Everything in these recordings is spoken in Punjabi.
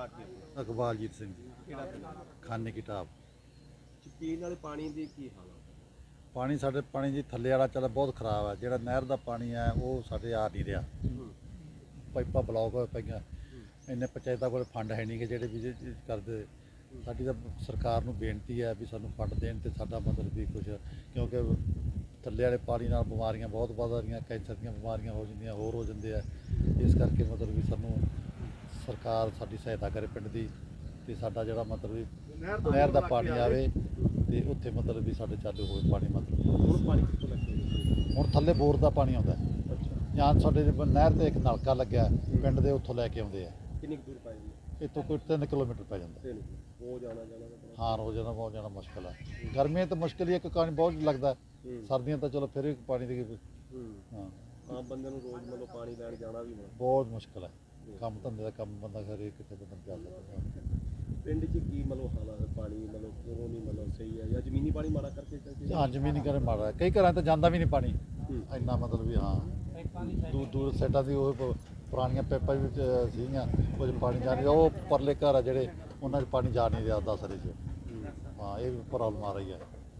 ਨਾਂ ਕੀ ਹੈ? ਇਕਬਾਲਜੀਤ ਸਿੰਘ ਜੀ, ਕਿਹੜਾ ਪਿੰਡ? ਖਾਨੇ ਕੀ ਢਾਬ। ਪੀਣ ਵਾਲੇ ਪਾਣੀ ਦੀ ਕੀ ਹਾਲ ਹੈ? ਪਾਣੀ ਸਾਡੇ ਪਾਣੀ ਜੀ ਥੱਲੇ ਵਾਲਾ ਚੱਲ ਬਹੁਤ ਖਰਾਬ ਹੈ। ਜਿਹੜਾ ਨਹਿਰ ਦਾ ਪਾਣੀ ਹੈ ਉਹ ਸਾਡੇ ਆ ਨਹੀਂ ਰਿਹਾ। ਪਾਈਪਾਂ ਬਲੌਕ ਹੋਏ ਪਈਆਂ। ਇੰਨੇ ਪੰਚਾਇਤਾਂ ਕੋਲ ਫੰਡ ਹੈ ਨਹੀਂ ਕਿ ਜਿਹੜੇ ਵੀ ਕਰਦੇ। ਸਾਡੀ ਤਾਂ ਸਰਕਾਰ ਨੂੰ ਬੇਨਤੀ ਹੈ ਵੀ ਸਾਨੂੰ ਫੰਡ ਦੇਣ ਤੇ ਸਾਡਾ ਮਤਲਬ ਵੀ ਕੁਝ, ਕਿਉਂਕਿ ਥੱਲੇ ਵਾਲੇ ਪਾਣੀ ਨਾਲ ਬਿਮਾਰੀਆਂ ਬਹੁਤ ਵੱਧ ਰਹੀਆਂ, ਕੈਂਸਰ ਦੀਆਂ ਬਿਮਾਰੀਆਂ ਹੋ ਜਾਂਦੀਆਂ, ਹੋਰ ਹੋ ਜਾਂਦੇ ਆ। ਇਸ ਕਰਕੇ ਮਤਲਬ ਵੀ ਸਾਨੂੰ ਸਰਕਾਰ ਸਾਡੀ ਸਹਾਇਤਾ ਕਰੇ ਪਿੰਡ ਦੀ, ਤੇ ਸਾਡਾ ਜਿਹੜਾ ਮਤਲਬ ਵੀ ਨਹਿਰ ਦਾ ਪਾਣੀ ਆਵੇ ਤੇ ਉੱਥੇ ਮਤਲਬ ਵੀ ਸਾਡੇ ਚਾਲੂ ਹੋਵੇ ਪਾਣੀ। ਮਤਲਬ ਹੁਣ ਪਾਣੀ ਕਿੱਥੋਂ ਲੱਗਦਾ? ਹੁਣ ਥੱਲੇ ਬੋਰ ਦਾ ਪਾਣੀ ਆਉਂਦਾ। ਅੱਛਾ, ਜਾਂ ਸਾਡੇ ਨਹਿਰ ਤੇ ਇੱਕ ਨਲਕਾ ਲੱਗਿਆ ਪਿੰਡ ਦੇ, ਉੱਥੋਂ ਲੈ ਕੇ ਆਉਂਦੇ ਆ। ਕਿੰਨੀ ਕੁ ਦੂਰ ਪੈ ਜਾਂਦੀ? ਇੱਥੋਂ ਕੋਈ 3 ਕਿਲੋਮੀਟਰ ਪੈ ਜਾਂਦਾ। ਉਹ ਜਾਣਾ ਜਾਣਾ ਹਾਂ, ਰੋਜ਼ਾਨਾ ਬਹੁਤ ਜਾਣਾ ਮੁਸ਼ਕਿਲ ਹੈ। ਗਰਮੀਆਂ ਤਾਂ ਮੁਸ਼ਕਿਲ ਹੀ, ਇੱਕ ਪਾਣੀ ਬਹੁਤ ਲੱਗਦਾ। ਸਰਦੀਆਂ ਤਾਂ ਚਲੋ ਫਿਰ ਵੀ ਪਾਣੀ ਦੀ ਹਾਂ ਆਮ ਬੰਦੇ ਨੂੰ ਰੋਜ਼ ਮਤਲਬ ਪਾਣੀ ਲੈਣ ਜਾਣਾ ਵੀ ਬਹੁਤ ਮੁਸ਼ਕਿਲ ਹੈ। ਕੰਮ ਧੰਦੇ ਦਾ ਕੰਮ ਬੰਦਾ ਘਰੇ ਕਿਤੇ ਬੰਦਾ ਜਾ ਸਕਦਾ। ਪਿੰਡ 'ਚ ਕੀ ਮਤਲਬ ਹਾਲਾਤ ਹੈ? ਪਾਣੀ ਮਤਲਬ ਕਿਉਂ ਨਹੀਂ ਮਤਲਬ ਸਹੀ ਹੈ, ਜਾਂ ਜ਼ਮੀਨੀ ਪਾਣੀ ਮਾੜਾ ਕਰਕੇ ਹਾਂ, ਜ਼ਮੀਨੀ ਘਰੇ ਮਾੜਾ। ਕਈ ਘਰਾਂ ਤਾਂ ਜਾਂਦਾ ਵੀ ਨਹੀਂ ਪਾਣੀ ਇੰਨਾ, ਮਤਲਬ ਵੀ ਹਾਂ ਦੂਰ ਦੂਰ ਸਾਈਡਾਂ ਦੀ ਉਹ ਪੁਰਾਣੀਆਂ ਪੈਪਾਂ ਵਿੱਚ ਸੀਗੀਆਂ, ਕੁਝ ਪਾਣੀ ਜਾ ਨਹੀਂ। ਉਹ ਪਰਲੇ ਘਰ ਆ ਜਿਹੜੇ, ਉਹਨਾਂ 'ਚ ਪਾਣੀ ਜਾ ਨਹੀਂ ਰਿਹਾ 10 ਰੇ 'ਚ। ਹਾਂ, ਇਹ ਵੀ ਪ੍ਰੋਬਲਮ ਆ ਰਹੀ ਹੈ।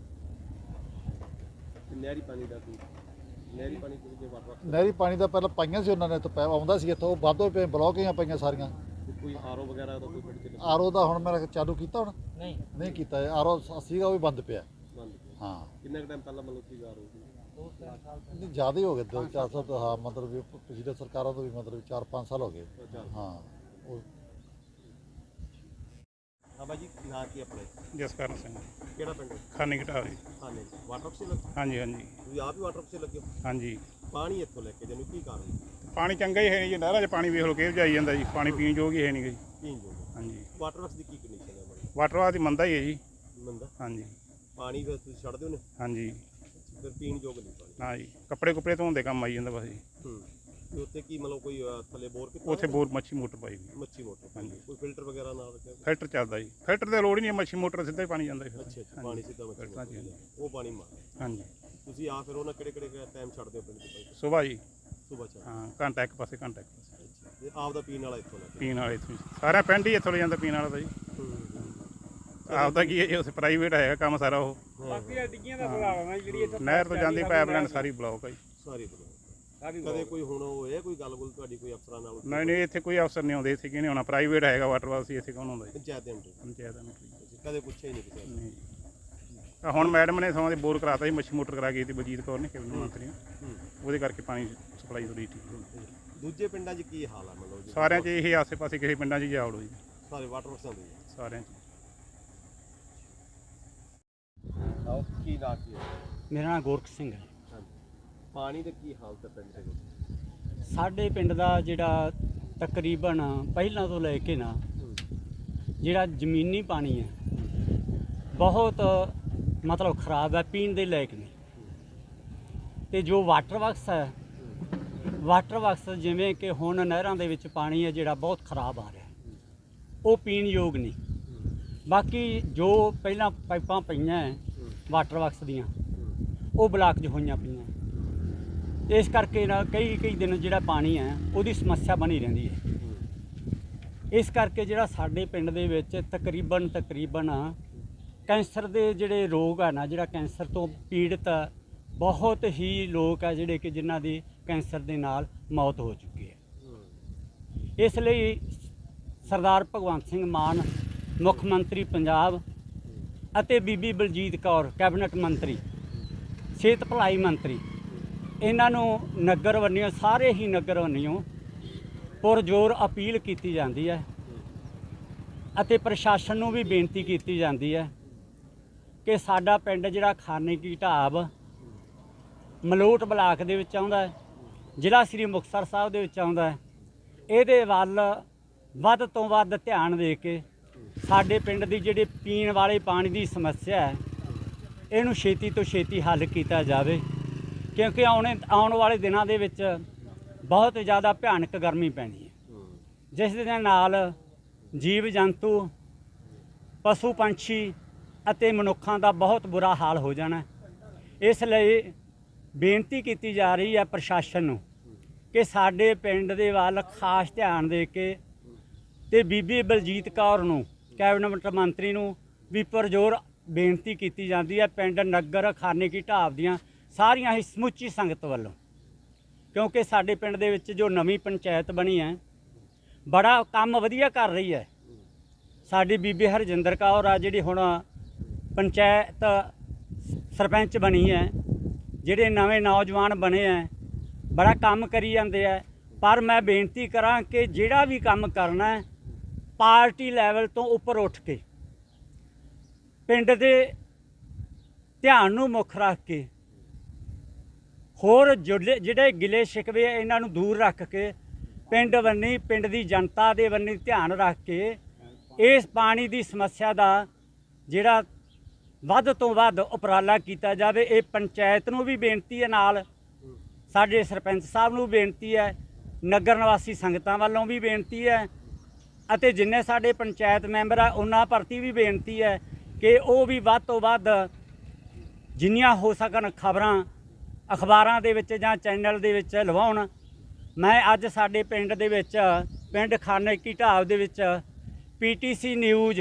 ਨਹਿਰੀ ਪਾਣੀ ਦਾ ਕੀ? ਨਹਿਰੀ ਪਾਣੀ ਕਿਹਦੇ ਵਾਟਰ? ਨਹਿਰੀ ਪਾਣੀ ਦਾ ਪਹਿਲਾਂ ਪਾਈਆਂ ਸੀ ਉਹਨਾਂ ਨੇ, ਤਾਂ ਆਉਂਦਾ ਸੀ ਇੱਥੋਂ, ਵਾਧੋ ਪਏ ਬਲੌਕ ਹੀ ਪਈਆਂ ਸਾਰੀਆਂ। ਕੋਈ ਆਰਓ ਵਗੈਰਾ ਦਾ ਕੋਈ ਪਿੰਡ 'ਚ ਆਰਓ ਦਾ ਹੁਣ ਮੇਰਾ ਚਾਲੂ ਕੀਤਾ, ਹੁਣ ਨਹੀਂ ਕੀਤਾ। ਆਰਓ ਸੀਗਾ ਉਹ ਵੀ ਬੰਦ ਪਿਆ। ਬੰਦ? ਹਾਂ, ਕਿੰਨਾ ਕੁ ਟਾਈਮ ਪਹਿਲਾਂ ਮਤਲਬ ਸੀਗਾ ਆਰਓ? ਨਹੀਂ ਜ਼ਿਆਦਾ ਹੀ ਹੋ ਗਏ, 2-4 ਸਾਲ ਤੋਂ। ਹਾਂ, ਮਤਲਬ ਵੀ ਪਿਛਲੇ ਸਰਕਾਰਾਂ ਤੋਂ ਵੀ ਮਤਲਬ 4-5 ਸਾਲ ਹੋ ਗਏ। ਹਾਂ ਉਹ ਹਾਂ ਬਾਜੀ, ਨਾਂ ਕੀ ਆਪਣੇ? ਜਸਕਰਨ ਸਿੰਘ, ਕਿਹੜਾ ਪਿੰਡ? ਖਾਨੇ ਕੀ ਢਾਬ ਜੀ। ਖਾਨੇ। ਵਾਟਰ ਅਫਸਰ ਲੱਗੇ? ਹਾਂਜੀ ਹਾਂਜੀ ਤੁਸੀਂ ਆਪ ਹੀ ਵਾਟਰ ਅਫਸਰ ਲੱਗੇ ਹੋ? ਹਾਂਜੀ। ਪਾਣੀ ਇੱਥੋਂ ਲੈ ਕੇ ਜਾਨੂੰ ਕੀ ਕਾਰਨ? ਪਾਣੀ ਚੰਗਾ ਹੀ ਹੈ ਨਹੀਂ ਜੀ, ਨਹਿਰਾਂ 'ਚ ਪਾਣੀ ਵੇਖ ਲਓ ਕਿਹੋ ਜਾਈ ਜਾਂਦਾ ਜੀ। ਪਾਣੀ ਪੀਣ ਯੋਗ ਹੀ ਹੈ ਨਹੀਂ ਜੀ। ਪੀਣ ਯੋਗ? ਹਾਂਜੀ। ਵਾਟਰ ਵਰਕਸ ਦੀ ਕੀ ਕੰਡੀਸ਼ਨ ਹੈ ਬੜੀ? ਵਾਟਰ ਵਾਸ ਦੀ ਮੰਦਾ ਹੀ ਹੈ ਜੀ। ਮੰਦਾ? ਹਾਂਜੀ ਪਾਣੀ ਫਿਰ ਤੁਸੀਂ ਛੱਡਦੇ ਹੋ ਨੇ? ਹਾਂਜੀ। ਫਿਰ ਪੀਣ ਯੋਗ ਨਹੀਂ ਪਾਣੀ? ਨਾ ਜੀ, ਕੱਪੜੇ ਕੁਪੜੇ ਧੋਣ ਦੇ ਕੰਮ ਆਈ ਜਾਂਦਾ ਬਸ ਜੀ। ਤੇ ਉੱਥੇ ਕੀ ਮਤਲਬ ਕੋਈ ਥੱਲੇ ਬੋਰ ਕੀਤਾ? ਉੱਥੇ ਬੋਰ ਮੱਛੀ ਮੋਟਰ ਪਾਈ ਵੀ। ਮੱਛੀ ਮੋਟਰ? ਹਾਂਜੀ। ਕੋਈ ਫਿਲਟਰ ਵਗੈਰਾ ਨਾਲ ਰੱਖਿਆ? ਫਿਲਟਰ ਚੱਲਦਾ ਜੀ। ਫਿਲਟਰ ਦੀ ਲੋੜ ਹੀ ਨਹੀਂ, ਮੱਛੀ ਮੋਟਰ ਸਿੱਧਾ ਹੀ ਪਾਣੀ ਜਾਂਦਾ ਜੀ। ਅੱਛਾ ਅੱਛਾ, ਪਾਣੀ ਸਿੱਧਾ ਮੱਛੀ ਮੋਟਰ ਹਾਂਜੀ। ਉਹ ਪਾਣੀ ਮਾਰ? ਹਾਂਜੀ। ਤੁਸੀਂ ਆ ਫਿਰ ਉਹਨਾਂ ਕਿਹੜੇ ਟਾਈਮ ਛੱਡਦੇ ਹੋ ਪਿੰਡ ਦੇ ਪਾਣੀ? ਸੁਬਾਹ ਜੀ। ਸੁਬਾਹ ਛੱਡ? ਹਾਂ, ਘੰਟਾ ਇੱਕ ਪਾਸੇ ਘੰਟਾ ਇੱਕ ਪਾਸੇ। ਅੱਛਾ, ਤੇ ਆਪ ਦਾ ਪੀਣ ਵਾਲਾ ਇੱਥੋਂ ਲੈ ਕੇ? ਪੀਣ ਵਾਲੇ ਇੱਥੋਂ ਸਾਰਾ ਪਿੰਡ ਹੀ ਇੱਥੋਂ ਲੈ ਜਾਂਦਾ ਪੀਣ ਵਾਲਾ ਤਾਂ ਜੀ। ਆਪਦਾ ਕੀ ਹੈ ਜੀ, ਉੱਥੇ ਪ੍ਰਾਈਵੇਟ ਹੈਗਾ ਕੰਮ ਸਾਰਾ। ਉਹ ਬਾਕੀ ਡਿੱਗੀਆਂ ਦਾ ਬੁਲਾਵਾ ਜਿਹੜੀ ਨਹਿਰ ਤੋਂ ਜਾਂਦੀ ਪਾਈਪਲਾਈਨ ਸਾਰੀ ਬਲੌਕ ਹੈ ਜੀ। ਸਾਰੀ ਬਲੌਕ? ਕਦੇ ਕੋਈ ਹੁਣ ਹੋਇਆ ਕੋਈ ਗੱਲ ਤੁਹਾਡੀ ਕੋਈ ਅਫਸਰਾਂ ਨਾਲ? ਨਹੀਂ ਨਹੀਂ, ਇੱਥੇ ਕੋਈ ਅਫਸਰ ਨਹੀਂ ਆਉਂਦੇ। ਇੱਥੇ ਕਿਹਨੇ ਆਉਣਾ? ਪ੍ਰਾਈਵੇਟ ਹੈਗਾ ਵਾਟਰ ਵਾਸ ਹੀ। ਇੱਥੇ ਕੌਣ ਆਉਂਦਾ ਜੀ? ਪੰਚਾਇਤ ਦੇ ਅੰਦਰ? ਪੰਚਾਇਤ ਦਾ ਕਦੇ ਪੁੱਛਿਆ ਹੀ ਨਹੀਂ ਕਿਸੇ ਨੇ? ਨਹੀਂ। ਹੁਣ ਮੈਡਮ ਨੇ ਸਮਾਂ ਦੇ ਬੋਰ ਕਰਾਤਾ ਜੀ, ਮੱਛੀ ਮੋਟਰ ਕਰਾ ਗਈ ਸੀ ਬਲਜੀਤ ਕੌਰ ਨੇ, ਕੈਬਨਿਟ ਮੰਤਰੀ ਨੇ। ਉਹਦੇ ਕਰਕੇ ਪਾਣੀ ਸਪਲਾਈ ਥੋੜੀ ਠੀਕ। ਦੂਜੇ ਪਿੰਡਾਂ 'ਚ ਕੀ ਹਾਲ ਆ ਮਤਲਬ? ਸਾਰਿਆਂ 'ਚ ਇਹ ਆਸੇ ਪਾਸੇ ਕਿਸੇ ਪਿੰਡਾਂ 'ਚ ਜਾਵੜੋ ਜੀ। ਸਾਰੇ ਵਾਟਰ ਵਰਕਸਾਂ ਦੇ? ਸਾਰਿਆਂ 'ਚ। ਕੀ ਨਾਂ ਕੀ ਹੈ? ਮੇਰਾ ਨਾਮ ਗੋਰਖ ਸਿੰਘ ਹੈ। ਪਾਣੀ ਦਾ ਕੀ ਹਾਲਤ ਹੈ ਪਿੰਡ ਦੇ ਵਿੱਚ? ਸਾਡੇ ਪਿੰਡ ਦਾ ਜਿਹੜਾ ਤਕਰੀਬਨ ਪਹਿਲਾਂ ਤੋਂ ਲੈ ਕੇ ਨਾ ਜਿਹੜਾ ਜ਼ਮੀਨੀ ਪਾਣੀ ਹੈ ਬਹੁਤ ਮਤਲਬ ਖਰਾਬ ਹੈ, ਪੀਣ ਦੇ ਲਾਇਕ ਨਹੀਂ। ਤੇ ਜੋ ਵਾਟਰ ਵਰਕਸ ਹੈ, ਵਾਟਰ ਵਰਕਸ ਜਿਵੇਂ ਕਿ ਹੁਣ ਨਹਿਰਾਂ ਦੇ ਵਿੱਚ ਪਾਣੀ ਹੈ ਜਿਹੜਾ ਬਹੁਤ ਖਰਾਬ ਆ ਰਿਹਾ, ਉਹ ਪੀਣ ਯੋਗ ਨਹੀਂ। ਬਾਕੀ ਜੋ ਪਹਿਲਾਂ ਪਾਈਪਾਂ ਪਈਆਂ ਹੈ ਵਾਟਰ ਵਰਕਸ ਦੀਆਂ, ਉਹ ਬਲਾਕ 'ਚ ਹੋਈਆਂ ਪਈਆਂ। ਇਸ ਕਰਕੇ ਨਾ ਕਈ ਦਿਨ ਜਿਹੜਾ ਪਾਣੀ ਹੈ ਉਹਦੀ ਸਮੱਸਿਆ ਬਣੀ ਰਹਿੰਦੀ ਹੈ। ਇਸ ਕਰਕੇ ਜਿਹੜਾ ਸਾਡੇ ਪਿੰਡ ਦੇ ਵਿੱਚ ਤਕਰੀਬਨ ਕੈਂਸਰ ਦੇ ਜਿਹੜੇ ਰੋਗ ਆ ਨਾ, ਜਿਹੜਾ ਕੈਂਸਰ ਤੋਂ ਪੀੜਤ ਬਹੁਤ ਹੀ ਲੋਕ ਆ ਜਿਹੜੇ ਕਿ ਜਿਨ੍ਹਾਂ ਦੀ ਕੈਂਸਰ ਦੇ ਨਾਲ ਮੌਤ ਹੋ ਚੁੱਕੀ ਹੈ। ਇਸ ਲਈ ਸਰਦਾਰ ਭਗਵੰਤ ਸਿੰਘ ਮਾਨ ਮੁੱਖ ਮੰਤਰੀ ਪੰਜਾਬ ਅਤੇ ਬੀਬੀ ਬਲਜੀਤ ਕੌਰ ਕੈਬਨਿਟ ਮੰਤਰੀ, ਸਿਹਤ ਭਲਾਈ ਮੰਤਰੀ, ਇਹਨਾਂ ਨੂੰ ਨਗਰ ਵੰਨਿਓ, ਸਾਰੇ ਹੀ ਨਗਰ ਵੰਨਿਓ ਪੁਰਜ਼ੋਰ ਅਪੀਲ ਕੀਤੀ ਜਾਂਦੀ ਹੈ ਅਤੇ ਪ੍ਰਸ਼ਾਸਨ ਨੂੰ ਵੀ ਬੇਨਤੀ ਕੀਤੀ ਜਾਂਦੀ ਹੈ ਕਿ ਸਾਡਾ ਪਿੰਡ ਜਿਹੜਾ ਖਾਨੇ ਕੀ ਢਾਬ ਮਲੋਟ ਬਲਾਕ ਦੇ ਵਿੱਚ ਆਉਂਦਾ ਹੈ, ਜ਼ਿਲ੍ਹਾ ਸ੍ਰੀ ਮੁਕਤਸਰ ਸਾਹਿਬ ਦੇ ਵਿੱਚ ਆਉਂਦਾ ਹੈ, ਇਹਦੇ ਵੱਲ ਵੱਧ ਤੋਂ ਵੱਧ ਧਿਆਨ ਦੇ ਕੇ ਸਾਡੇ ਪਿੰਡ ਦੀ ਜਿਹੜੀ ਪੀਣ ਵਾਲੇ ਪਾਣੀ ਦੀ ਸਮੱਸਿਆ ਹੈ ਇਹਨੂੰ ਛੇਤੀ ਤੋਂ ਛੇਤੀ ਹੱਲ ਕੀਤਾ ਜਾਵੇ, ਕਿਉਂਕਿ ਆਉਣ ਵਾਲੇ ਦਿਨਾਂ ਦੇ ਵਿੱਚ ਬਹੁਤ ਜ਼ਿਆਦਾ ਭਿਆਨਕ ਗਰਮੀ ਪੈਣੀ ਹੈ, ਜਿਸ ਦੇ ਨਾਲ ਜੀਵ ਜੰਤੂ, ਪਸ਼ੂ ਪੰਛੀ ਅਤੇ ਮਨੁੱਖਾਂ ਦਾ ਬਹੁਤ ਬੁਰਾ ਹਾਲ ਹੋ ਜਾਣਾ। ਇਸ ਲਈ ਬੇਨਤੀ ਕੀਤੀ ਜਾ ਰਹੀ ਹੈ ਪ੍ਰਸ਼ਾਸਨ ਨੂੰ ਕਿ ਸਾਡੇ ਪਿੰਡ ਦੇ ਵੱਲ ਖਾਸ ਧਿਆਨ ਦੇ ਕੇ ਤੇ ਬੀਬੀ ਬਲਜੀਤ ਕੌਰ ਨੂੰ ਕੈਬਨਿਟ ਮੰਤਰੀ ਨੂੰ ਵੀ ਪੁਰਜ਼ੋਰ ਬੇਨਤੀ ਕੀਤੀ ਜਾਂਦੀ ਹੈ ਪਿੰਡ ਨਗਰ ਖਾਨੇ ਕੀ ਢਾਬ ਦੀਆਂ ਸਾਰੀਆਂ ਹੀ ਸਮੁੱਚੀ ਸੰਗਤ ਵੱਲੋਂ, ਕਿਉਂਕਿ ਸਾਡੇ ਪਿੰਡ ਦੇ ਵਿੱਚ ਜੋ ਨਵੀਂ ਪੰਚਾਇਤ ਬਣੀ ਹੈ ਬੜਾ ਕੰਮ ਵਧੀਆ ਕਰ ਰਹੀ ਹੈ। ਸਾਡੀ ਬੀਬੀ ਹਰਜਿੰਦਰ ਕੌਰ ਆ ਜਿਹੜੀ ਹੁਣ ਪੰਚਾਇਤ ਸਰਪੰਚ ਬਣੀ ਹੈ, ਜਿਹੜੇ ਨਵੇਂ ਨੌਜਵਾਨ ਬਣੇ ਹੈ ਬੜਾ ਕੰਮ ਕਰੀ ਜਾਂਦੇ ਹੈ। ਪਰ ਮੈਂ ਬੇਨਤੀ ਕਰਾਂ ਕਿ ਜਿਹੜਾ ਵੀ ਕੰਮ ਕਰਨਾ ਹੈ ਪਾਰਟੀ ਲੈਵਲ ਤੋਂ ਉੱਪਰ ਉੱਠ ਕੇ ਪਿੰਡ ਦੇ ਧਿਆਨ ਨੂੰ ਮੁੱਖ ਰੱਖ ਕੇ ਹੋਰ ਜਿਹੜੇ ਗਿਲੇ ਸ਼ਿਕਵੇ ਇਹਨਾਂ ਨੂੰ ਦੂਰ ਰੱਖ ਕੇ ਪਿੰਡ ਬੰਨੀ ਪਿੰਡ ਦੀ ਜਨਤਾ ਦੇ ਬੰਨੀ ਧਿਆਨ ਰੱਖ ਕੇ ਇਸ ਪਾਣੀ ਦੀ ਸਮੱਸਿਆ ਦਾ ਜਿਹੜਾ ਵੱਧ ਤੋਂ ਵੱਧ ਉਪਰਾਲਾ ਕੀਤਾ ਜਾਵੇ। ਇਹ ਪੰਚਾਇਤ ਨੂੰ ਵੀ ਬੇਨਤੀ ਹੈ, ਨਾਲ ਸਾਡੇ ਸਰਪੰਚ ਸਾਹਿਬ ਨੂੰ ਬੇਨਤੀ ਹੈ, ਨਗਰ ਨਿਵਾਸੀ ਸੰਗਤਾਂ ਵੱਲੋਂ ਵੀ ਬੇਨਤੀ ਹੈ ਅਤੇ ਜਿੰਨੇ ਸਾਡੇ ਪੰਚਾਇਤ ਮੈਂਬਰ ਆ ਉਹਨਾਂ ਪ੍ਰਤੀ ਵੀ ਬੇਨਤੀ ਹੈ ਕਿ ਉਹ ਵੀ ਵੱਧ ਤੋਂ ਵੱਧ ਜਿੰਨੀਆਂ ਹੋ ਸਕਣ ਖਬਰਾਂ ਅਖਬਾਰਾਂ ਦੇ ਵਿੱਚ ਜਾਂ ਚੈਨਲ ਦੇ ਵਿੱਚ ਲਵਾਉਣ। ਮੈਂ ਅੱਜ ਸਾਡੇ ਪਿੰਡ ਦੇ ਵਿੱਚ ਪਿੰਡ ਖਾਨੇ ਕੀ ਢਾਬ ਦੇ ਵਿੱਚ PTC ਨਿਊਜ਼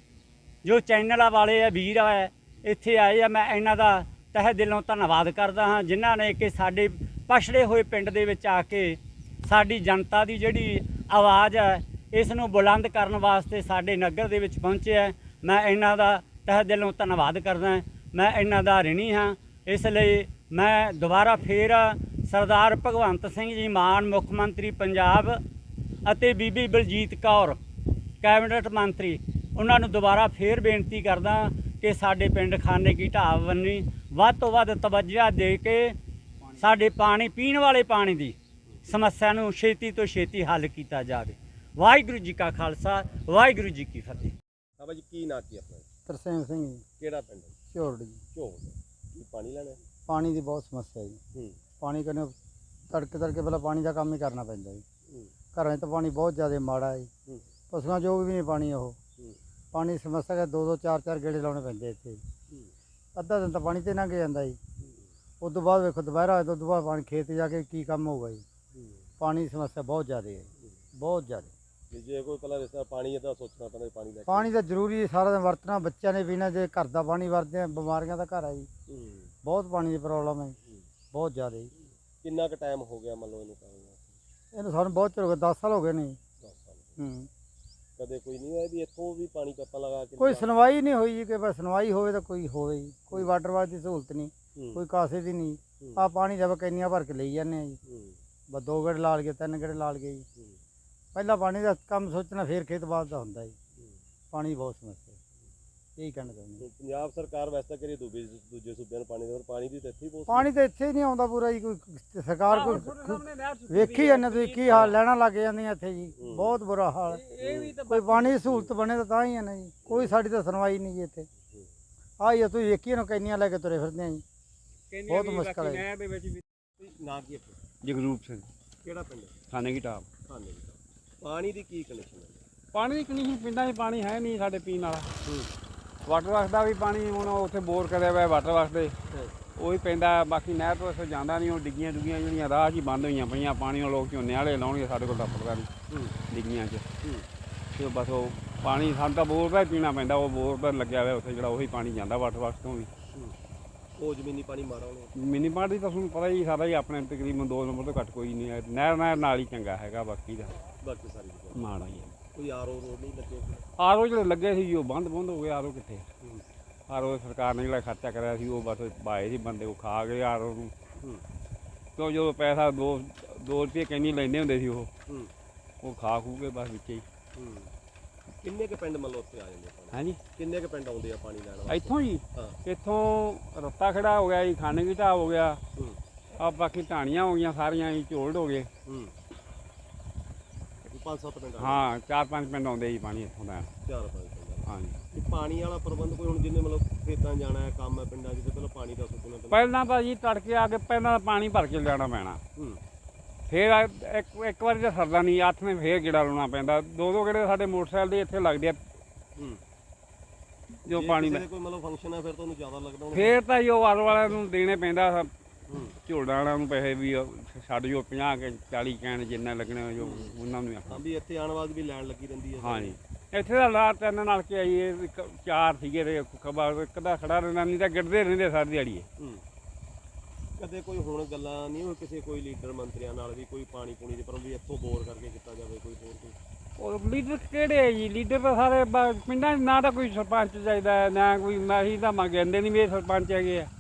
ਜੋ ਚੈਨਲਾਂ ਵਾਲੇ ਆ ਵੀਰ ਆ ਇੱਥੇ ਆਏ ਆ, ਮੈਂ ਇਹਨਾਂ ਦਾ ਤਹਿ ਦਿਲੋਂ ਧੰਨਵਾਦ ਕਰਦਾ ਹਾਂ ਜਿਨ੍ਹਾਂ ਨੇ ਕਿ ਸਾਡੇ ਪਛੜੇ ਹੋਏ ਪਿੰਡ ਦੇ ਵਿੱਚ ਆ ਕੇ ਸਾਡੀ ਜਨਤਾ ਦੀ ਜਿਹੜੀ ਆਵਾਜ਼ ਹੈ ਇਸ ਨੂੰ ਬੁਲੰਦ ਕਰਨ ਵਾਸਤੇ ਸਾਡੇ ਨਗਰ ਦੇ ਵਿੱਚ ਪਹੁੰਚੇ ਹੈ। ਮੈਂ ਇਹਨਾਂ ਦਾ ਤਹਿ ਦਿਲੋਂ ਧੰਨਵਾਦ ਕਰਦਾ, ਮੈਂ ਇਹਨਾਂ ਦਾ ਰਿਣੀ ਹਾਂ। ਇਸ ਲਈ ਮੈਂ ਦੁਬਾਰਾ ਫੇਰ ਸਰਦਾਰ ਭਗਵੰਤ ਸਿੰਘ ਜੀ ਮਾਨ ਮੁੱਖ ਮੰਤਰੀ ਪੰਜਾਬ ਅਤੇ ਬੀਬੀ ਬਲਜੀਤ ਕੌਰ ਕੈਬਨਿਟ ਮੰਤਰੀ ਉਹਨਾਂ ਨੂੰ ਦੁਬਾਰਾ ਫੇਰ ਬੇਨਤੀ ਕਰਦਾ ਕਿ ਸਾਡੇ ਪਿੰਡ ਖਾਨੇ ਕੀ ਢਾਬ ਬੰਨੀ ਵੱਧ ਤੋਂ ਵੱਧ ਤਵੱਜੋ ਦੇ ਕੇ ਸਾਡੇ ਪਾਣੀ ਪੀਣ ਵਾਲੇ ਪਾਣੀ ਦੀ ਸਮੱਸਿਆ ਨੂੰ ਛੇਤੀ ਤੋਂ ਛੇਤੀ ਹੱਲ ਕੀਤਾ ਜਾਵੇ। ਵਾਹਿਗੁਰੂ ਜੀ ਕਾ ਖਾਲਸਾ, ਵਾਹਿਗੁਰੂ ਜੀ ਕੀ ਫਤਿਹ। ਹਾਂ ਭਾਜੀ, ਕੀ ਨਾਂ ਕੀ ਆਪਣਾ? ਤਰਸੇਮ ਸਿੰਘ ਜੀ, ਕਿਹੜਾ ਪਿੰਡ? ਝੋਰੜ ਜੀ। ਝੋਲ। ਕੀ ਪਾਣੀ ਲੈਣਾ? ਪਾਣੀ ਦੀ ਬਹੁਤ ਸਮੱਸਿਆ ਜੀ। ਪਾਣੀ ਕਰਨੇ ਤੜਕੇ ਪਹਿਲਾਂ ਪਾਣੀ ਦਾ ਕੰਮ ਹੀ ਕਰਨਾ ਪੈਂਦਾ ਜੀ। ਘਰਾਂ 'ਚ ਤਾਂ ਪਾਣੀ ਬਹੁਤ ਜ਼ਿਆਦਾ ਮਾੜਾ ਹੈ ਜੀ। ਪਸ਼ੂਆਂ ਜੋ ਵੀ ਨਹੀਂ ਪਾਣੀ ਉਹ ਪਾਣੀ ਦੀ ਸਮੱਸਿਆ ਕਿ 2-2 4-4 ਗੇੜੇ ਲਾਉਣੇ ਪੈਂਦੇ ਇੱਥੇ। ਅੱਧਾ ਦਿਨ ਤਾਂ ਪਾਣੀ 'ਤੇ ਲੰਘ ਜਾਂਦਾ ਜੀ। ਉਸ ਤੋਂ ਬਾਅਦ ਵੇਖੋ ਦੁਪਹਿਰਾ ਉਸ ਤੋਂ ਬਾਅਦ ਪਾਣੀ ਖੇਤ ਜਾ ਕੇ ਕੀ ਕੰਮ ਹੋਊਗਾ ਜੀ। ਪਾਣੀ ਦੀ ਸਮੱਸਿਆ ਬਹੁਤ ਜ਼ਿਆਦਾ ਹੈ, ਬਹੁਤ ਜ਼ਿਆਦਾ। ਜੇ ਕੋਈ ਪਹਿਲਾਂ ਰਿਸ਼ਤਾ ਪਾਣੀ ਦਾ ਸੋਚਣਾ ਪੈਂਦਾ ਪਾਣੀ ਦਾ। ਪਾਣੀ ਤਾਂ ਜ਼ਰੂਰੀ ਹੈ, ਸਾਰਾ ਦਿਨ ਵਰਤਣਾ, ਬੱਚਿਆਂ ਨੇ ਪੀਣਾ, ਜੇ ਘਰ ਦਾ ਪਾਣੀ ਵਰਤਦੇ ਆ ਬਿਮਾਰੀਆਂ ਦਾ ਘਰ ਹੈ ਜੀ। ਬਹੁਤ ਪਾਣੀ ਦੀ ਪ੍ਰੋਬਲਮ ਹੈ, ਬਹੁਤ ਜ਼ਿਆਦਾ ਜੀ। ਕਿੰਨਾ ਕੁ ਟਾਈਮ ਹੋ ਗਿਆ ਮੰਨ ਲਓ ਇਹਨੂੰ ਪਾਣੀ ਦਾ? ਇਹਨੂੰ ਸਾਨੂੰ ਬਹੁਤ ਚਿਰ ਹੋ ਗਿਆ, 10 ਸਾਲ ਹੋ ਗਏ ਨੇ। 10 ਸਾਲ। ਕਦੇ ਕੋਈ ਨਹੀਂ ਹੋਇਆ ਵੀ ਇੱਥੋਂ ਵੀ ਪਾਣੀ ਪਾਪਾ ਲਗਾ ਕੇ? ਕੋਈ ਸੁਣਵਾਈ ਨਹੀਂ ਹੋਈ ਜੀ, ਕਿ ਬਸ ਸੁਣਵਾਈ ਹੋਵੇ ਤਾਂ ਕੋਈ ਹੋਵੇ ਜੀ। ਕੋਈ ਵਾਟਰ ਵਾਸ਼ ਦੀ ਸਹੂਲਤ ਨਹੀਂ, ਕੋਈ ਕਾਸੇ ਦੀ ਨਹੀਂ। ਆ ਪਾਣੀ ਦਾ ਕੈਨੀਆਂ ਭਰ ਕੇ ਲਈ ਜਾਂਦੇ ਆ ਜੀ। ਬਸ 2 ਗੇੜੇ ਲਾ ਲਏ, 3 ਗੇੜੇ ਲਾ ਲਏ ਜੀ। ਪਹਿਲਾਂ ਪਾਣੀ ਦਾ ਕੰਮ ਸੋਚਣਾ ਫਿਰ ਖੇਤ ਬਾਦ ਦਾ ਹੁੰਦਾ ਜੀ। ਪਾਣੀ ਬਹੁਤ ਸਮੱਸਿਆ, ਇਹੀ ਕਹਿਣਾ ਚਾਹੁੰਦੇ। ਪੰਜਾਬ ਸਰਕਾਰ ਵੈਸੇ ਤਾਂ ਕਰੀ ਦੂਜੇ ਸੂਬਿਆਂ ਨੂੰ ਪਾਣੀ ਦੇ, ਪਾਣੀ ਦੀ ਤਾਂ ਇੱਥੇ ਹੀ ਬਹੁਤ। ਪਾਣੀ ਤਾਂ ਇੱਥੇ ਹੀ ਨਹੀਂ ਆਉਂਦਾ ਪੂਰਾ ਜੀ। ਕੋਈ ਸਰਕਾਰ ਕੋਈ ਵੇਖੀ ਜਾਂਦੇ ਤੁਸੀਂ ਕੀ ਹਾਲ ਲੈਣਾ ਲੱਗ ਜਾਂਦੀਆਂ ਇੱਥੇ ਜੀ। ਬਹੁਤ ਬੁਰਾ ਹਾਲ। ਕੋਈ ਪਾਣੀ ਦੀ ਸਹੂਲਤ ਬਣੇ ਤਾਂ ਹੀ ਹੈ ਨਾ ਜੀ। ਕੋਈ ਸਾਡੀ ਤਾਂ ਸੁਣਵਾਈ ਨਹੀਂ ਜੀ ਇੱਥੇ। ਆਹ ਤੁਸੀਂ ਵੇਖੀਏ ਨਾ ਕੈਨੀਆਂ ਲੈ ਕੇ ਤੁਰੇ ਫਿਰਦੇ ਆ ਜੀ। ਬਹੁਤ ਮੁਸ਼ਕਲ ਹੈ। ਨਾਂ ਕੀ ਆਪਣਾ? ਜਗਰੂਪ ਸਿੰਘ, ਕਿਹੜਾ ਪਿੰਡ? ਖਾਨੇ ਕੀ ਢਾਬ। ਖਾਨੇ ਕੀ ਢਾਬ। ਪਾਣੀ ਦੀ ਕੀ ਕੰਡੀਸ਼ਨ ਹੈ? ਪਾਣੀ ਦੀ ਕੰਡੀਸ਼ਨ ਪਿੰਡਾਂ 'ਚ ਪਾਣੀ ਹੈ ਨਹੀਂ ਸਾਡੇ ਪੀਣ ਵਾਲਾ। ਵਾਟਰ ਵਰਕਸ ਦਾ ਵੀ ਪਾਣੀ ਹੁਣ ਉੱਥੇ ਬੋਰ ਕਰਿਆ ਹੋਇਆ ਵਾਟਰ ਵਰਕਸ ਦੇ, ਉਹੀ ਪੈਂਦਾ। ਬਾਕੀ ਨਹਿਰ ਤੋਂ ਇੱਥੇ ਜਾਂਦਾ ਨਹੀਂ। ਉਹ ਡਿੱਗੀਆਂ ਡੁੱਗੀਆਂ ਜਿਹੜੀਆਂ ਰਾਹ 'ਚ ਹੀ ਬੰਦ ਹੋਈਆਂ ਪਈਆਂ। ਪਾਣੀ ਨੂੰ ਲੋਕ ਝੋਨੇ ਵਾਲੇ ਲਾਉਣਗੇ, ਸਾਡੇ ਕੋਲ ਤਾਂ ਪੜਦਾ ਨਹੀਂ ਡਿੱਗੀਆਂ 'ਚ। ਤੇ ਬਸ ਉਹ ਪਾਣੀ ਸਾਨੂੰ ਤਾਂ ਬੋਰ ਦਾ ਹੀ ਪੀਣਾ ਪੈਂਦਾ। ਉਹ ਬੋਰ ਦਾ ਲੱਗਿਆ ਹੋਇਆ ਉੱਥੇ, ਜਿਹੜਾ ਉਹੀ ਪਾਣੀ ਜਾਂਦਾ ਵਾਟਰ ਵਰਕਸ ਤੋਂ ਵੀ। ਉਹ ਜ਼ਮੀਨੀ ਪਾਣੀ ਮਾੜਾ ਹੋਣਾ? ਮਿੰਨੀ ਪਾਣੀ ਦੀ ਤਾਂ ਤੁਹਾਨੂੰ ਪਤਾ ਹੀ ਸਾਰਾ ਹੀ ਆਪਣੇ ਤਕਰੀਬਨ 2 ਨੰਬਰ ਤੋਂ ਘੱਟ ਕੋਈ ਨਹੀਂ ਹੈ। ਨਹਿਰ ਨਾਲ ਹੀ ਚੰਗਾ ਹੈਗਾ, ਬਾਕੀ ਦਾ ਬਾਕੀ ਸਾਰੀ ਮਾੜਾ ਹੀ ਹੈ। ਕੋਈ ਆਰਓ ਰੋਡ ਨਹੀਂ ਲੱਗੇ? ਆਰਓ ਜਿਹੜੇ ਲੱਗੇ ਸੀ ਉਹ ਬੰਦ ਹੋ ਗਏ। ਆਰਓ ਕਿੱਥੇ? ਆਰਓ ਸਰਕਾਰ ਨੇ ਜਿਹੜਾ ਖਰਚਾ ਕਰਿਆ ਸੀ ਉਹ ਬਸ ਬਾਏ ਸੀ ਬੰਦੇ, ਉਹ ਖਾ ਗਏ ਆਰਓ ਨੂੰ। ਕਿਉਂ ਜਦੋਂ ਪੈਸਾ 2 ਰੁਪਏ ਕੈਨੀ ਲੈਂਦੇ ਹੁੰਦੇ ਸੀ ਉਹ ਖਾ ਖੂ ਕੇ ਬਸ ਵਿੱਚ ਹੀ। ਕਿੰਨੇ ਕੁ ਪਿੰਡ ਮੰਨ ਲਓ ਉੱਥੇ ਆ ਜਾਂਦੇ ਪਾਣੀ? ਹਾਂਜੀ, ਕਿੰਨੇ ਕੁ ਪਿੰਡ ਆਉਂਦੇ ਆ ਪਾਣੀ ਲੈਣ ਵਾਸਤੇ? ਇੱਥੋਂ ਜੀ ਹਾਂ। ਇੱਥੋਂ ਰੱਤਾ ਖੜਾ ਹੋ ਗਿਆ ਜੀ, ਖਾਨੇ ਕੀ ਢਾਬ ਹੋ ਗਿਆ, ਆ ਬਾਕੀ ਢਾਣੀਆਂ ਹੋ ਗਈਆਂ ਸਾਰੀਆਂ ਜੀ, ਝੋਲਡ ਹੋ ਗਏ। 5-7 ਪਿੰਡ? ਹਾਂ, 4-5 ਪਿੰਡ ਆਉਂਦੇ ਜੀ ਪਾਣੀ ਇੱਥੋਂ ਦਾ। 4-5 ਪਿੰਡ। ਹਾਂਜੀ। ਇਹ ਪਾਣੀ ਵਾਲਾ ਪ੍ਰਬੰਧ ਕੋਈ ਹੁਣ ਜਿੰਨੇ ਮਤਲਬ ਖੇਤਾਂ ਜਾਣਾ ਹੈ, ਕੰਮ ਹੈ ਪਿੰਡਾਂ 'ਚ, ਤੇ ਪਹਿਲਾਂ ਪਾਣੀ ਦਾ ਸੋਚਣਾ ਪੈਂਦਾ। ਪਹਿਲਾਂ ਤਾਂ ਜੀ ਤੜਕੇ ਆ ਕੇ ਪਹਿਲਾਂ ਪਾਣੀ ਭਰ ਕੇ ਲਿਆਉਣਾ ਪੈਣਾ। ਫਿਰ ਇੱਕ ਵਾਰੀ ਤਾਂ ਸਰਦਾ ਨਹੀਂ, 8 ਨੇ ਫੇਰ ਗੇੜਾ ਲਾਉਣਾ ਪੈਂਦਾ। 2-2 ਗੇੜੇ ਸਾਡੇ ਮੋਟਰਸਾਈਕਲ ਦੇ ਇੱਥੇ ਲੱਗਦੇ ਆ। ਜੋ ਪਾਣੀ ਦਾ ਕੋਈ ਮਤਲਬ ਫੰਕਸ਼ਨ ਹੈ ਫਿਰ ਤੁਹਾਨੂੰ ਜ਼ਿਆਦਾ ਲੱਗਦਾ ਹੋਣਾ? ਫੇਰ ਤਾਂ ਜੀ ਉਹ ਆਰ ਵਾਲਿਆਂ ਨੂੰ ਦੇਣੇ ਪੈਂਦਾ ਝੋੜਾ ਵਾਲਿਆਂ ਨੂੰ ਪੈਸੇ ਵੀ ਛੱਡ ਜੋ 50 ਕੇ 40 ਕੈਨ ਜਿੰਨਾ ਲੱਗਣਾ ਜੋ ਉਹਨਾਂ ਨੂੰ ਹਾਂ ਆਖਣਾ। ਵੀ ਇੱਥੇ ਆਉਣ ਬਾਅਦ ਵੀ ਲਾਈਨ ਲੱਗੀ ਰਹਿੰਦੀ ਹੈ। ਹਾਂਜੀ ਇੱਥੇ ਦਾ ਲਾ ਤਿੰਨ ਨਾਲ ਕੇ ਆਈਏ ਚਾਰ ਸੀਗੇ ਤੇ ਇੱਕ ਦਾ ਖੜਾ ਰਹਿਣਾ, ਨਹੀਂ ਤਾਂ ਗਿਰਦੇ ਰਹਿੰਦੇ ਸਾਰੀ ਦਿਹਾੜੀ। ਕਦੇ ਕੋਈ ਹੁਣ ਗੱਲਾਂ ਨਹੀਂ ਹੋਈ ਕਿਸੇ ਕੋਈ ਲੀਡਰ ਮੰਤਰੀਆਂ ਨਾਲ ਵੀ ਕੋਈ ਪਾਣੀ ਪੂਣੀ ਦੇ ਪਰ ਵੀ ਇੱਥੋਂ ਬੋਰ ਕਰਕੇ ਕੀਤਾ ਜਾਵੇ ਕੋਈ ਹੋਰ ਕੋਈ? ਉਹ ਲੀਡਰ ਕਿਹੜੇ ਹੈ ਜੀ? ਲੀਡਰ ਤਾਂ ਸਾਰੇ ਪਿੰਡਾਂ 'ਚ ਨਾ ਤਾਂ ਕੋਈ ਸਰਪੰਚ ਚਾਹੀਦਾ ਹੈ, ਨਾ ਕੋਈ ਅਸੀਂ ਤਾਂ ਮੰਗਦੇ ਨਹੀਂ ਵੀ ਇਹ ਸਰਪੰਚ ਹੈਗੇ ਆ।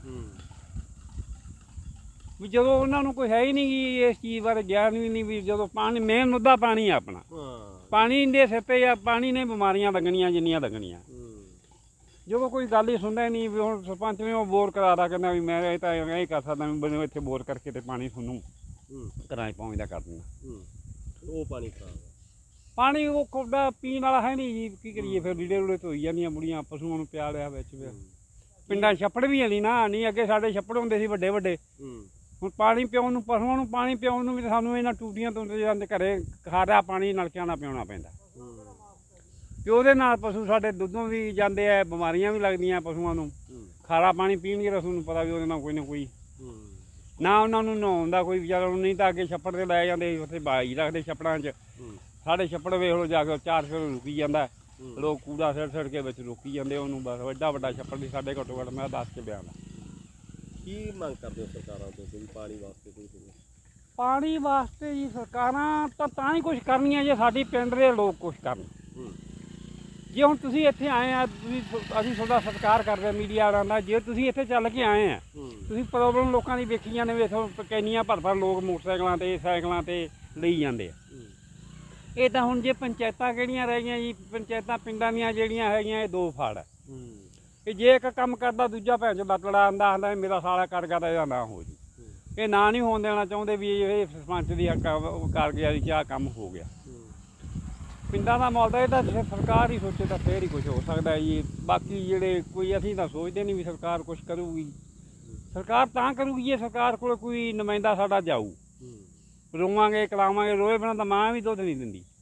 ਵੀ ਜਦੋਂ ਉਹਨਾਂ ਨੂੰ ਕੋਈ ਹੈ ਹੀ ਨਹੀਂ ਗੀ ਇਸ ਚੀਜ਼ ਬਾਰੇ ਗਿਆਨ ਵੀ ਨਹੀਂ, ਵੀ ਜਦੋਂ ਪਾਣੀ ਮੇਨ ਮੁੱਦਾ ਪਾਣੀ ਆ ਆਪਣਾ, ਪਾਣੀ ਦੇ ਸਿਰ 'ਤੇ ਆ, ਪਾਣੀ ਨੇ ਬਿਮਾਰੀਆਂ ਲੱਗਣੀਆਂ ਜਿੰਨੀਆਂ ਲੱਗਣੀਆਂ। ਜਦੋਂ ਕੋਈ ਗੱਲ ਹੀ ਸੁਣਦਾ ਹੀ ਨਹੀਂ ਵੀ ਹੁਣ ਸਰਪੰਚ ਨੇ ਉਹ ਬੋਰ ਕਰਾ ਕਹਿੰਦਾ ਵੀ ਮੈਂ ਇਹ ਤਾਂ ਇਹ ਕਰ ਸਕਦਾ ਵੀ ਮੈਨੂੰ ਇੱਥੇ ਬੋਰ ਕਰਕੇ ਤੇ ਪਾਣੀ ਤੁਹਾਨੂੰ ਘਰਾਂ 'ਚ ਪਹੁੰਚਦਾ ਕਰ ਦਿੰਦਾ। ਉਹ ਪਾਣੀ ਖਰਾਬ ਪਾਣੀ ਉਹ ਕੋਡਾ ਪੀਣ ਵਾਲਾ ਹੈ ਨਹੀਂ ਜੀ, ਕੀ ਕਰੀਏ ਫਿਰ? ਲੀੜੇ ਲੂੜੇ ਧੋਈ ਜਾਂਦੀਆਂ ਬੁੜੀਆਂ, ਪਸ਼ੂਆਂ ਨੂੰ ਪਿਆ ਲਿਆ ਵਿੱਚ ਪਿੰਡਾਂ ਛੱਪੜ ਵੀ ਹੈ ਨਹੀਂ ਅੱਗੇ ਸਾਡੇ ਛੱਪੜ ਹੁੰਦੇ ਸੀ ਵੱਡੇ ਵੱਡੇ। ਹੁਣ ਪਾਣੀ ਪਿਆਉਣ ਨੂੰ, ਪਸ਼ੂਆਂ ਨੂੰ ਪਾਣੀ ਪਿਆਉਣ ਨੂੰ ਵੀ ਸਾਨੂੰ ਇਹਨਾਂ ਟੂਟੀਆਂ ਤੋਂ ਜਾਂਦੇ ਘਰੇ ਖਾਰਾ ਪਾਣੀ ਨਲਕਿਆਂ ਨਾਲ ਪਿਆਉਣਾ ਪੈਂਦਾ, ਤੇ ਉਹਦੇ ਨਾਲ ਪਸ਼ੂ ਸਾਡੇ ਦੁੱਧੋਂ ਵੀ ਜਾਂਦੇ ਆ, ਬਿਮਾਰੀਆਂ ਵੀ ਲੱਗਦੀਆਂ ਪਸ਼ੂਆਂ ਨੂੰ। ਖਾਰਾ ਪਾਣੀ ਪੀਣਗੇ ਰਸੂ ਨੂੰ ਪਤਾ ਵੀ ਉਹਦੇ ਨਾਲ ਕੋਈ ਨਾ ਕੋਈ ਨਾ ਉਹਨਾਂ ਨੂੰ ਨਹਾਉਣ ਦਾ ਕੋਈ ਵਿਚਾਰਾ ਨੂੰ, ਨਹੀਂ ਤਾਂ ਅੱਗੇ ਛੱਪੜ 'ਤੇ ਲੈ ਜਾਂਦੇ ਉੱਥੇ ਬਾਈ ਰੱਖਦੇ ਛੱਪੜਾਂ 'ਚ। ਸਾਡੇ ਛੱਪੜ ਵੇਖ ਲਓ ਜਾ ਕੇ 4 ਫੁੱਟ ਰੁਕੀ ਜਾਂਦਾ, ਲੋਕ ਕੂੜਾ ਸਿੱਟ ਕੇ ਵਿੱਚ ਰੋਕੀ ਜਾਂਦੇ ਉਹਨੂੰ। ਬਸ ਐਡਾ ਵੱਡਾ ਛੱਪੜ ਨਹੀਂ ਸਾਡੇ, ਘੱਟੋ ਘੱਟ ਮੈਂ 10 ਕੇ ਬਿਆਨ। ਕੀ ਮੰਗ ਕਰਦੇ ਹੋ ਸਰਕਾਰਾਂ ਤੋਂ ਕੋਈ ਪਾਣੀ ਵਾਸਤੇ? ਕੋਈ ਪਾਣੀ ਵਾਸਤੇ ਜੀ ਸਰਕਾਰਾਂ ਤਾਂ ਹੀ ਕੁਛ ਕਰਨੀਆਂ ਜੇ ਸਾਡੀ ਪਿੰਡ ਦੇ ਲੋਕ ਕੁਛ ਕਰਨ। ਜੇ ਹੁਣ ਤੁਸੀਂ ਇੱਥੇ ਆਏ ਆ, ਅਸੀਂ ਤੁਹਾਡਾ ਸਤਿਕਾਰ ਕਰਦੇ ਮੀਡੀਆ ਵਾਲਿਆਂ ਦਾ, ਜੇ ਤੁਸੀਂ ਇੱਥੇ ਚੱਲ ਕੇ ਆਏ ਆ, ਤੁਸੀਂ ਪ੍ਰੋਬਲਮ ਲੋਕਾਂ ਦੀ ਵੇਖੀਆਂ ਨੇ, ਵੇਖੋ ਕੈਨੀਆਂ ਭਰ ਲੋਕ ਮੋਟਰਸਾਈਕਲਾਂ 'ਤੇ ਸਾਈਕਲਾਂ 'ਤੇ ਲਈ ਜਾਂਦੇ ਆ। ਇਹ ਤਾਂ ਹੁਣ ਜੇ ਪੰਚਾਇਤਾਂ ਕਿਹੜੀਆਂ ਰਹਿ ਗਈਆਂ ਜੀ, ਪੰਚਾਇਤਾਂ ਪਿੰਡਾਂ ਦੀਆਂ ਜਿਹੜੀਆਂ ਹੈਗੀਆਂ ਇਹ ਦੋ ਫਾੜ ਹੈ। ਕਿ ਜੇ ਇੱਕ ਕੰਮ ਕਰਦਾ ਦੂਜਾ ਭੈਣ ਚੋਂ ਬਤੜਾ ਆਂਦਾ ਮੇਰਾ ਸਾਲਾ ਕਰ ਗਿਆ ਤਾਂ ਇਹਦਾ ਨਾ ਹੋ ਜੀ। ਇਹ ਨਾ ਨਹੀਂ ਹੋਣ ਦੇਣਾ ਚਾਹੁੰਦੇ ਵੀ ਇਹ ਸਰਪੰਚ ਦੀ ਕਰ ਗਿਆ ਜੀ, ਆਹ ਕੰਮ ਹੋ ਗਿਆ। ਪਿੰਡਾਂ ਦਾ ਮਾਹੌਲ ਤਾਂ ਇਹ ਤਾਂ ਸਰਕਾਰ ਹੀ ਸੋਚੇ ਤਾਂ ਫੇਰ ਹੀ ਕੁਝ ਹੋ ਸਕਦਾ ਜੀ। ਬਾਕੀ ਜਿਹੜੇ ਕੋਈ ਅਸੀਂ ਤਾਂ ਸੋਚਦੇ ਨਹੀਂ ਵੀ ਸਰਕਾਰ ਕੁਛ ਕਰੂਗੀ। ਸਰਕਾਰ ਤਾਂ ਕਰੂਗੀ ਜੇ ਸਰਕਾਰ ਕੋਲ ਕੋਈ ਨੁਮਾਇੰਦਾ ਸਾਡਾ ਜਾਊ। ਰੋਵਾਂਗੇ ਕਲਾਵਾਂਗੇ, ਰੋਏ ਬਿਨਾਂ ਤਾਂ ਮਾਂ ਵੀ ਦੁੱਧ ਨਹੀਂ ਦਿੰਦੀ।